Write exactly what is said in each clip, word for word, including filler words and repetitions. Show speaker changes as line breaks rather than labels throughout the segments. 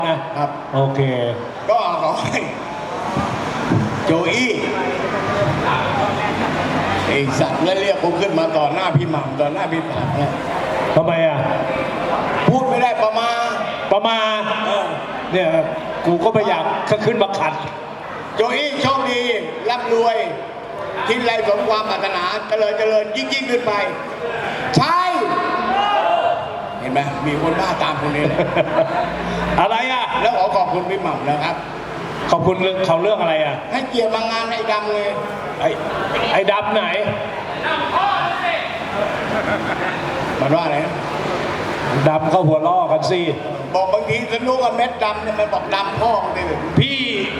ครับ
โอเค
ก็ขอให้โจอี้ไอ้สัตว์แล้วเรียกผมขึ้นมาต่อหน้าพี่หม่ำต่อหน้าพี่หม่ำเนี่ย
ทำไมอ่ะ
พูดไม่ได้ประมา
ประมาเนี่ยกูก็ไม่อยากขึ้นมาขัด
โจอี้โชคดีร่ำรวยคิดอะไรสมความปรารถนาเจริญเจริญยิ่งยิ่งขึ้นไปใช่เห็นไหมมีคนบ้าตามคนนี้
อะไรอ่ะ
แล้วขอขอบคุณพี่หม่ำนะครับ
ขอบคุณเรื่องเขาเรื่องอะไรอ่ะ
ให้เกียรติมางานไอ้ดำเลย
ไอ้ไอ้ดำไหน
มันว่าอะไร
ดำเข้าหัวล่อกันสิ
บอกบางทีสนุกกับเม็ดดำเนี่ยมันบอกดำพ่อเลย
พี่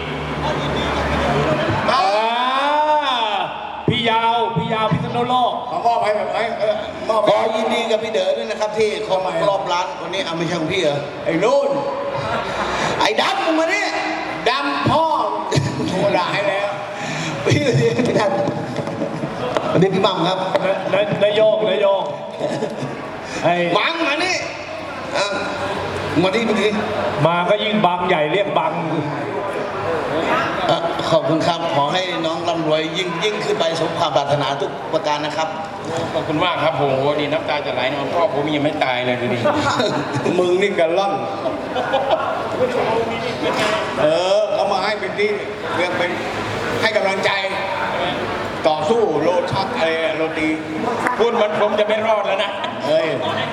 พี่ยาวพี่ยาวพิษณุโลก
ขอมอบให้แบบไอ้มอบ
ขอยินดีกับพี่เด๋อด้วยนะครับที่ครบรอบร้านวันนี้เอาไม่ใช่ของพี่เหรอ
ไอ้นู่น
ไอ้ดำมึงมาเนี่ย
ดำพ่อโทรด่าให้แล้ว
พี่พี่ท่านวันนี้พี่บังครับ
นายโยกนายโยก
ไอ้บังมานี่มาที่มาที่
มาก็ยิ่งบังใหญ่เรียกบัง
ขอบคุณครับขอให้น้องร่ำรวยยิ่งยิ่งขึ้นไปสมความปรารถนาทุกประการนะครับ
ขอบคุณมากครับโหดีน้ำตาจะไหลนอนพ่อผมยังไม่ตายเลยดูดิ
มึงนี่กันล่อนเออเขามาให้เป็นที่เรียกเป็นให้กำลังใจต่อสู้โลชักอะไรโรตี
พูดมันผมจะไม่รอดแล้วนะ
เฮ้ย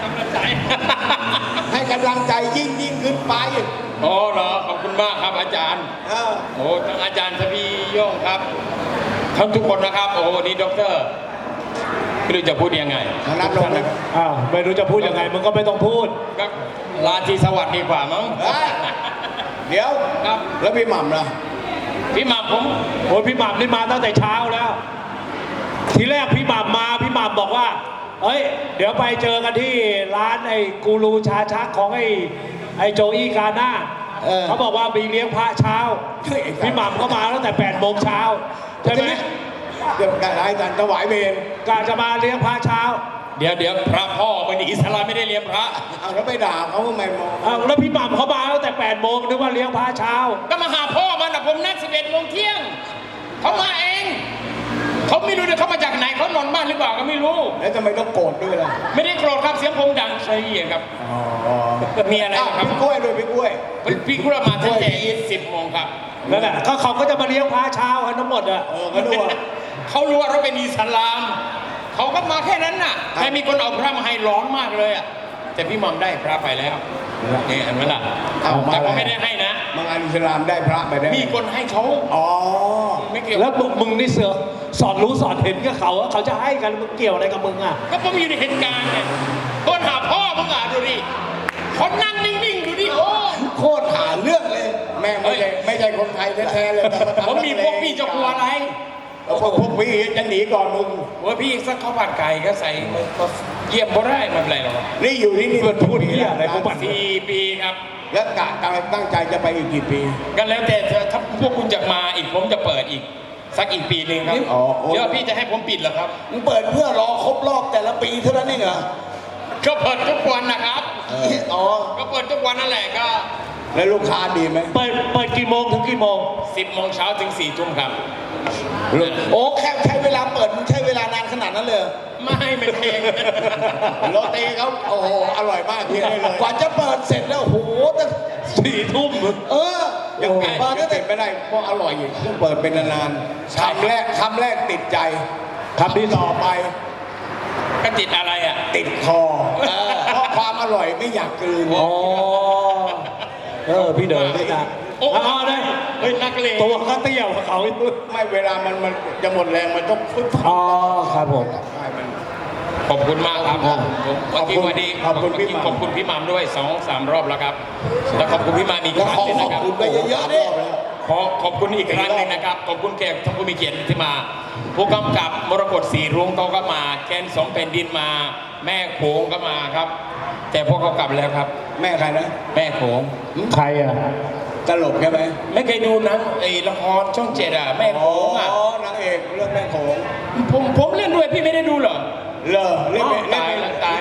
ให้กำลังใจยิ่งยิ่งขึ้นไป
โอ้เหรอขอบคุณมากครับอาจารย์โอ้ทั้งอาจารย์ทวีโย่งครับทั้งทุกคนนะครับโอ้นี่ด็อกเตอร์ไม่รู้จะพูดยังไง
นัดลงนะ
อ้าวไม่รู้จะพูดยังไงมึงก็ไม่ต้องพูด
ก็ลาทีสวัสดีกว่ามั้ง
เดี๋ยว
ครับ
แล้วพี่หม่ำล่ะ
พี่หม่ำผม
โอ้พี่หม่ำนี่มาตั้งแต่เช้าแล้วทีแรกพี่หม่ำมาพี่หม่ำบอกว่าเอ้ยเดี๋ยวไปเจอกันที่ร้านไอ้กูรูชาชักของไอ้ไอ้โจอี้กาหน้าเขาบอกว่ามีเลี้ยงพระเช้าพี่หม่ำก็มาตั้งแต่แปดโมงเช้าใช่ไหม
เดี๋ยวการให้การถวายเวร
กาจะมาเลี้ยงพระเช้า
เดี๋ยวเดี๋ยวพระพ่อเป็นอิสลามไม่ได้เลี้ยงพระ
เอาแล้วไปด่าเขาทำไมมอง
เอาแล้วพี่หม่ำเขามาตั้งแต่แปดโมงนึกว่าเลี้ยงพระเช้า
ก็มาหาพ่อมันนะผมนัดสิบเอ็ดโมงเที่ยงเขามาเองเขาไม่รู้เลยเขามาจากไหนเขานอนบ้านหรือเปล่าก็ไม่รู้
แล้วทำไมต้องโกรธด้วยล่ะ
ไม่ได้โกรธครับเสียงผมดังใช่ไหมครับมีอะไรครับ
พี่กล้วยด้วยพี่กล้วย
พี่กล้วยมาตั้งแต่สิบโมงครับ
นั่นแหละก็เขาก็จะมาเลี้ยงพระเช้ากันทั้งหมดอ่ะ
เออเขาดู
เขารู้ว่าเราเป็นอิสลามเขาก็มาแค่นั้นน่ะแต่มีคนเอาพระมาให้ร้อนมากเลยอ่ะแต่พี่มอมได้พระไปแล้วนี่เห็นไหมล่ะแต่ก็ไม่ได้ให้นะ
บางอันอิสลามได้พระไปได้
มีคนให้เขา
อ๋อ
ไม่เกี่ยว
แล้วมึงนี่เสือสอนรู้สอนเห็นกับเขาเขาจะให้กันมึงเกี่ยวอะไรกับมึงอ่ะ
ก็ผมอยู่ในเหตุการณ์ไงคนหาพ่อมึงอ่ะดูดิคนนั่งนิ่งๆดูดิโอ้
โคตรหาเรื่องเลยแม่ไม่ใช่ไม่ใช่คนไทยแท้ๆเลย
ผมมีพวกพี่จะกลัวอะไร
พวกพวกพี่จะหนีก่อนมึง
ว่าพี่สักข้าวผัดไก่ก็ใส่เยี่ยมบ่ได้ไม่เป็นไรหรอก
นี่อยู่ที่นี่
พูดที่อะไรพวกมัน
สี่ปีครับ
แล้วกะตั้งใจจะไปอีกกี่ปี
ก็แล้วแต่ถ้าพวกคุณจะมาอีกผมจะเปิดอีกสักอีกปีหนึ่งครับเดี๋ยวพี่จะให้ผมปิดเหรอครับ
มึงเปิดเพื่อรอครบรอบแต่ละปีเท่านั้นเองเหรอ
ก็เปิดทุกวันนะครับ
อ๋อ
ก็เปิดทุกวันนั่นแหละก็
แล้วลูกค้าดีไหม
เปิดเปิดกี่โมงถึงกี่โมง
สิบโมงเช้าถึงสี่ทุ่มครับ
โอ้แค่ใช้เวลาเปิดมันใช้เวลานานขนาดนั้นเลย
ไม่ไม่เอง
โรตีเขาโอ้โหอร่อยมากเพียงเลย
กว่าจะเปิดเสร็จแล้วโอ้โหตั้ง
สี่ทุ่ม
เออ
ยังเปิดก็ติดไม่ได้เพราะอร่อยอยู่ต้องเปิดเป็นนานๆคำแรกคำแรกติดใจคำที่ต่อไป
ก็ติดอะไรอ่ะ
ติดคอเพราะความอร่อยไม่อยากกลืน
อ๋อเออพี่เดินได้จ้ะ
โอ้เอาได้เฮ้ยนักเลง
ตัวก็เตี้ยวเขา
ไม่เวลามันมันจะหมดแรงมันต้องฟึ๊บ
อ๋อครับผม
ขอบคุณมากครับผมวันที่วันนี้
ขอบคุณพี่
ขอบคุณพี่หม่ำด้วยสองสามรอบแล้วครับแล้วขอบคุณพี่หม่ำอีกครั้งนึงนะครับ
ขอบคุณไปเยอะๆดิ
ขอขอบคุณอีกครั้งนึงนะครับขอบคุณแขกท่านผู้มีเกียรติที่มาผู้กำกับมรกตสีรุ้งเขาก็มาแกนสองแผ่นดินมาแม่โขงก็มาครับแต่พวกเขากลับแล้วครับ
แม่ใครนะ
แม่โขง
ใครอ่ะ
ตลกใช่ไหม
ไม่เคยดูหนังไอ้ละครช่องเจ็ดอ่ะแม่โขงอ่ะ
อ๋อนางเอกเรื่องแม่โขง
ผมผมเล่นด้วยพี่ไม่ได้ดูเหรอ
เลอเล่น
ตายแล้วตายแล้ว
เล่น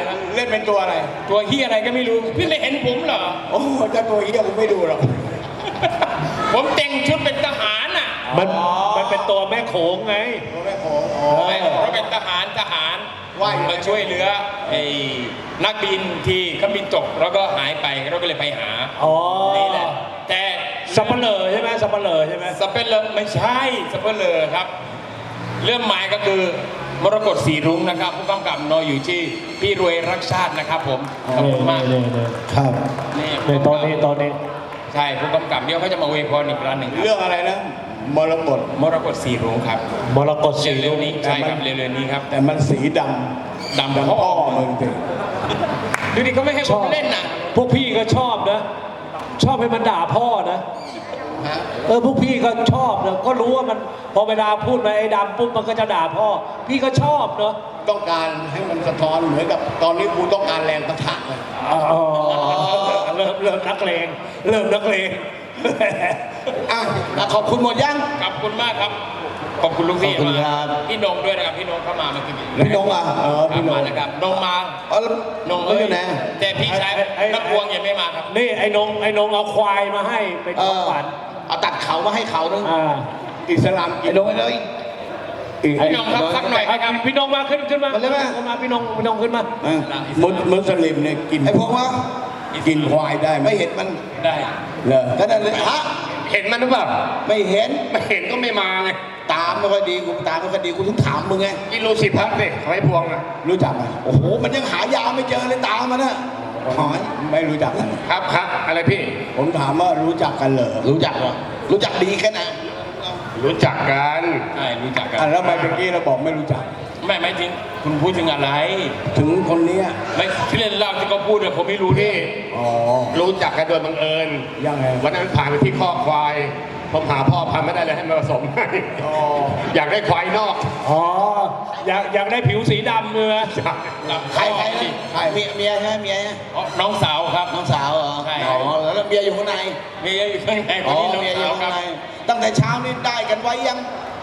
ล่นเป็นตัวอะไร
ตัวเฮียอะไรก็ไม่รู้ พี่ไม่เห็นผมเหรอ
โอ้ถ้าตัวเฮียผมไม่ดูหรอก
ผมแต่งชุดเป็นทหารน่ะ
มันมันเป็นตัวแม่โขงไง
ตัวแม่โขงอ๋อ
ไม่เราเป็นทหารทหาร
ว่าอยู่
มาช่วยเหลือไอ้นักบินที่เขาบินตกแล้วก็หายไปเราก็เลยไปหา
อ๋อ
นี่แหละแต่
สับเปลือใช่ไหมสับเปลือใช่ไหม
สเปนเลอร์ไม่ใช่สเปนเลอร์ครับ เรื่องหมายก็คือมรกตสีรุ้งนะครับ ผู้กำกับนอยอยู่ที่พี่รวยรักชาตินะครับผมขอบคุณมาก
นี่นี่
ครับ
นี่
นี่ตอนนี้ตอนนี้
ใช่ผู้กำกับเดี๋ยวเขาจะมาอวยพรอีกครั้งหนึ่งครับ
เรื่องอะไรนะมรกต
มรกตสีรุ้งครับ
มรกตสี
เร็
รุ้
ว
ง
ๆนี้ใช่ครับเร็วๆนี้ครับ
แต่มันสีดำ
ดำ
ดำ
พ่
พ่
อ
อมึงสิ
ดูดิเขาไม่ให้ผมเล่นนะ
พวกพี่ก็ชอบนะ ชอบให้มันด่าพ่อนะ
ฮะ
เออพวกพี่ก็ชอบนะก็รู้ว่ามันพอเวลาพูดมาไอ้ดำปุ๊บมันก็จะด่าพ่อ พี่ก็ชอบเนาะ
ต้องการให้มันสะท้อนเหมือนกับตอนนี้กูต้องการแรงประทะเลย
อ๋อเริ่มเริ่มนักเลงเริ่มนักเลง
อ่ะขอบคุณหมดยัง
ขอบคุณมากครับ ขอบคุณลูกพี่
ขอบคุณ
มา
ครับ
พี่นงด้วยนะครับพี่นงเข้ามาเมื่อกี้
พี่นงอ่ะเออ
ครั
พี่
บ
น
มาง แล้วครับนงมา
อ๋อแล้ว
นง
มัน
เอ้
อย ยู่ไหน
แต่พี่ชาย
ไอ้ไอ้
นักพวงยังไม่มาครับ
นี่ไอ้นงไอ้นงเอาควายมาให้เป็น
เอ
ของ
อ
ขวัญ
เอาตัดเขามาให้เขานึง
อ่า
อิสลามกิ
ไอ้
น
ลงไปเลย
พี่นงครับสักหน่อย
อ่ะ
ครับ
พี่นงมาขึ้นขึ้นมา
มาเลยไหม
ขึ้นมาพี่นงพี่นงขึ้นมา
อ่ะ
มุสมุสลิมเนี่ยกิน
ไอ้พวกว่า
กินควายได้ไหม
ไม่เห็นมัน
ได้
เหรอ
ก็นั่นเลยฮะ
เห็นมันหรือเปล่า
ไม่เห็น
ไม่เห็นก็ไม่มาไง
ตามไม่ค่อยดีกูตามไม่ค่อยดีกูถึงถามมึงไง
กินโลสิพักสิไว้พวงอ่ะ
รู้จักไหม
โอ้โหมันยังหายาไม่เจอเลยตามมันนะหอย
ไม่รู้จักกัน
ครับครับอะไรพี่
ผมถามว่ารู้จักกันเหรอ
รู้จักเหรอรู้จักดีแค่ไหน
รู้จักกันใช่รู้จักกัน
อ่ะแล้วทำไมเมื่อกี้เราบอกไม่รู้จัก
ไม่ไม่จริงคุณพูดถึงอะไร
ถึงคนเนี้ย
ไม่ที่เล่นเล่าที่เขาพูดเนี่ยผมไม่รู้นี่
อ๋อ
รู้จักกันโดยบังเอิญ
ยังไง
วันนั้นผ่านไปที่ข้อกควาย ผมหาพ่อพันธุ์ไม่ได้เลยให้มาผสมให้
อ๋อ
อยากได้ควายนอก
อ๋ออยากอยากได้ผิวสีดำเลยนะ
ใครใครนะใครเมียเมียใช่ไหมเมียใช่ไหม
อ๋อน้องสาวครับ
น้องสาวเหรอ
ใช่
อ๋อแล้วเมียอยู่ข้างใน
มีอยู่ข้างในค
อ๋
น
อ
นี้น้อง
เมียอ
สา
ยู่
วค
ข้า
รับ
งในตั้งแต่เช้านี่ได้กันไว้ยัง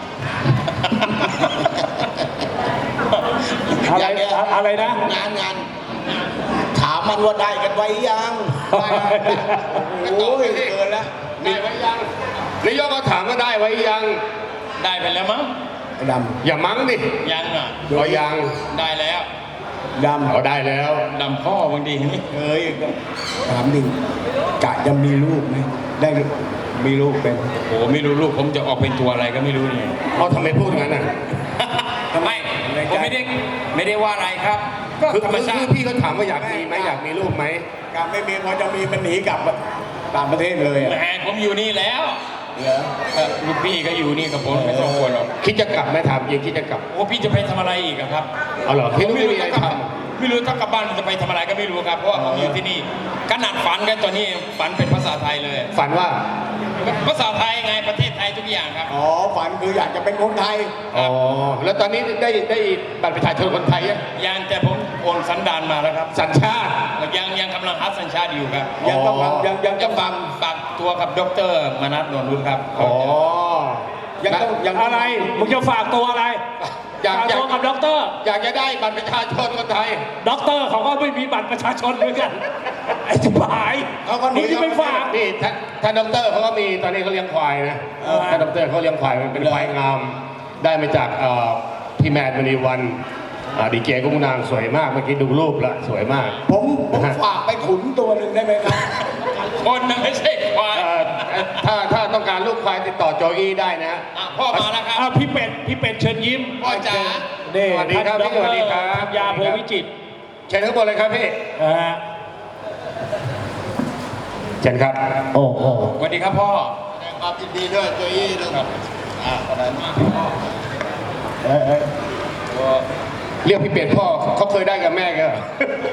อะไร
ย่างเงี้ย
อะไรนะ
งานงานถามมันว่าได้กันไว้ยัง
ได้ได้โอ้ยเกินแล้ว
ได้ไว้ยังนายกก็ถามว่าได้ไว้ยัง
ได้ไปแล้วมั้ง
ไอ้ด
อย่ามั้งดิ
ยังอ่ะ
ก็ยัง
ได้แล้ว
ำดำ
เอาได้แล้ว
ดำพ่อบางทีนี่
เอ้ยถามดิกะจะมีลูกไหมได้มีลูกเป็น
โอ้ไม่รู้ลูกผมจะออกเป็นตัวอะไรก็ไม่รู้เนี่ย
เอาทำไมพูดอย่างนั้นน่ะ
ไม่ผมไม่ได้ไม่ได้ว่าอะไรครับ ก็
คือ
ธรรมชา
คือ
ติ
พี่เขาถามว่าอยากมีไหมอยากมีลูกไหม
กะไม่มีพอจะมีมันหนีกลับต่างประเทศเลยอะ
แหมผมอยู่นี่แล้ว
เหรอ
เอ่อลูกพี่ก็อยู่นี่กับผมไม่ต้องกลัวหรอก
คิดจะกลับไหมถามจริงคิดจะกลับ
โอ้พี่จะไปทำอะไรอีกอะครับ
เอาเหรอพี่
ผม
ไม่มีอะไร
ถ้ากลับ
ทำ
ไม่รู้ถ้ากลับบ้านจะไปทำอะไรก็ไม่รู้ครับเพราะว่าผมอยู่ที่นี่ขนาดฝันกันตอนนี้ฝันเป็นภาษาไทยเลย
ฝันว่า
ภาษาไทยไงประเทศไทยทุกอย่างครับ
อ๋อฝันคืออยากจะเป็นคนไทย
อ๋อ แล้วตอนนี้ได้ได้บัตรประชาชนคนไทยยัง
ยังแต่ผมโอนสันดานมาแล้วครับ
สัญชาติ
ยังยังกำลังหาสัญชาติอยู่ครับ
ยังต้อง
อ๋อ
ยังยัง
จะ
ต้อง
ฝากฝากตัวกับดรมนัสนวลรุ่นครับ
อ๋อ
ยังต้องยังต้ง
อะไรมึงจะฝากตัวอะไร
อยาก
ฝาก
อยาก
ตัวกับด็อกเตอร์
อยากจะได้บัตรประชาชนคนไทย
ด็อกเตอร์เขาก็ไม่มีบัตรประชาชนด้วยกันไอ้ชิบหาย
เขาก็หนี
มึงจะไปฝาก
นี่ท่านท่านดอกเตอรเขาก็มีตอนนี้เขาเลี้ยงควายนะ
เออ
ท่านดอกเตอรเขาเลี้ยงควายมันเป็นควายงาม ได้มาจากเอ่อพี่แมนมณีวันอ่าดีเจกุ้งนางสวยมากเมื่อกี้ดูรูปแล้วสวยมาก
ผมผมฝากไปขุนตัวหนึ่งได้ไหมครับ
คนนะไม่ใช่ควาย
เอ่อถ้าถ้าต้องการลูกควายติดต่อโจอี้ได้นะ
อ่ะพ่อมาแล้วครับ
อ่ะพี่เป็ดพี่เป็ดเชิญยิ้ม
พ่อจ๋า
นี่
สวัสดีครับ
ท่าน
พี่สวัสดีครับ
ธัญญาโพวิจิตร
เชิญข้างบนเลยครับพี่
นะฮะ
เชิญครับ
โอ้โห
สวัสดีครับพ่อ
ความยินดีด้วยโจยี่นะครับอ่าคนนั้น
เอ้ยเอ้ย
เรียกพี่เป็ดพ่อเขาเคยได้กับแม่กันเหรอ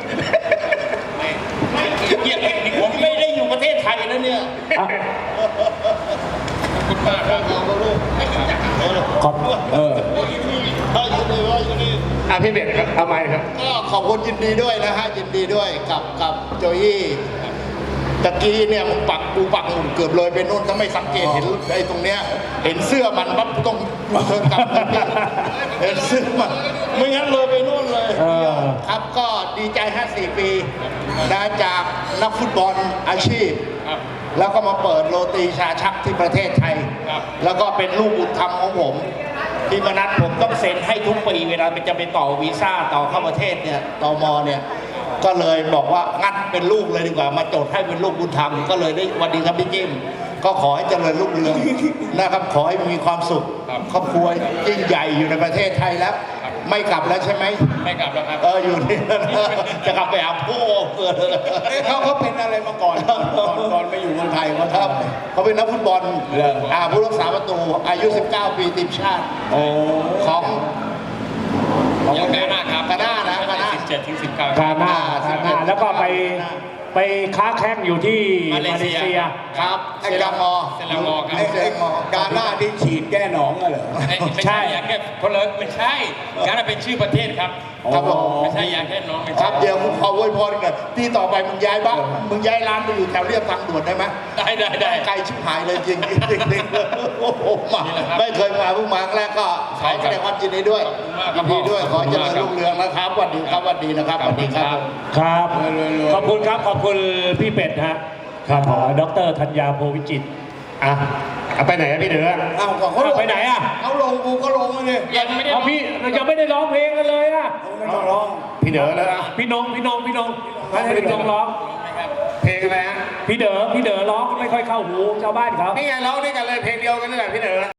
เกียรติผมไม่ได้อยู่ประเทศไทยนะเนี่ย
อ่ะ
ขอบคุณมากครับ
ขอบ
เออ
อ่ะพี่เป็ดครับเอาไมค์ครับ
ก็ขอบคุณยินดีด้วยนะฮะยินดีด้วยกับกับโจยี่ตะกี้เนี่ยมึงปักกูปักหมุนเกือบเลยไปนู่นถ้าไม่สังเกตเห็นไอ้ตรงเนี้ยเห็นเสื้อมันปั๊บต้องเทินกลับเห็นเสื้อมันไม่งั้นเลยไปนู่นเลย
เออ
ครับก็ดีใจห้าสี่ปีนะจากนักฟุตบอลอาชีพ
ครับ
แล้วก็มาเปิดโรตีชาชักที่ประเทศไทย
ครับ
แล้วก็เป็นลูกบุญธรรมของผมที่มนัดผมต้องเซ็นให้ทุกปีเวลาจะไปต่อวีซ่าต่อเข้าประเทศเนี่ยตมเนี่ยก็เลยบอกว่างั้นเป็นลูกเลยดีกว่ามาจดให้เป็นลูกบุญธรรมก็เลยได้วันดีครับพี่จิ้มก็ขอให้เจริญรุ่งเรือง นะครับขอให้มีความสุข
ครับ
ครอบครัวยิ่งใหญ่อยู่ในประเทศไทยแล้ว
ครับ
ไม่กลับแล้วใช่ไหม
ไม่กลับแล้วครับ
เอออยู่นี่ จะกลับไปหาพ่อเกิด
เอ๊ะเขาเขาเป็นอะไรมาก่อนก่อนก่อนมาอยู่เมืองไทยเขา
ค
ทำ
รับ
อะไร
เขาเป็นนักฟุตบอล
เหรอ
อ่าผู้รักษาประตูอายุ สิบเก้า ปีทีมชาติ
โอ้
ของ
ของกาหน้าครับ
กาหน้านะกาหน้า
สิบเจ็ดถึงสิบเก้า
กาหน้า
อ่าก
าหน้าแล้วก็ไปไปค้าแข้งอยู่ที่
มา
มา
เล
เล
เซีย
เซีย
ครับเซรามอ
เซรามอครับ
ไอ้ไอ้กาหน้าที่ฉีดแก้หนองอะเหรอ
ไม่ไม่ใช่ยาแก้คนละไม่ใช่กาหน้าเป็นชื่อประเทศครับ
ครับผม
ไม่ใช่ยาแก้น้องไม่
ค
ใช่
รับเดี๋ยวผมขออวยพรกันที่ต่อไปมึงย้ายบ้านมึงย้ายร้านไปอยู่แถวเรียบทางด่วนได้ไหม
ได้ได้ได้
ไกลชิบหายเลยจริงจริงจริงโอ้โหมา
นี่แหละครับ
ไม่เคยมาเพิ่งมาครั้งแรกก็ขอแสดงความยินดีด้วย
ขอบคุณมากครับ
ยินดีด้วยขอเจริญ
ขอบคุณมากครับ
รุ่งเรืองนะครับสวัสดีครับสวัสดีนะครับสวัสดีครับ
ครับ ขอบคุณครับ ขอบคุณพี่เป็ดฮะครับดรธัญญาโพวิจิตร
อ่ะเอาไปไหนอะพี่เดือ
อ้าวก็เขาล
เอา
ง
ไปไหนอะ
เขาลงกูก็ลงมาเลย
ยังไม่ได้
เอาพี่เรายังไม่ได้ร้องเพลงกันเลยอะ
ไม่ต้องร้อง
พี่เดือแล้วนะ
พี่นงพี่นงพี่นงให้พี่นงร้อง
เพลงอะไรฮะ
พี่เด๋อพี่เด๋อร้องไม่ค่อยเข้าหูชาวบ้านเขา
นี่ไงร้องด้วยกันเลยเพลงเดียวกันนี่แหละพี่เดือ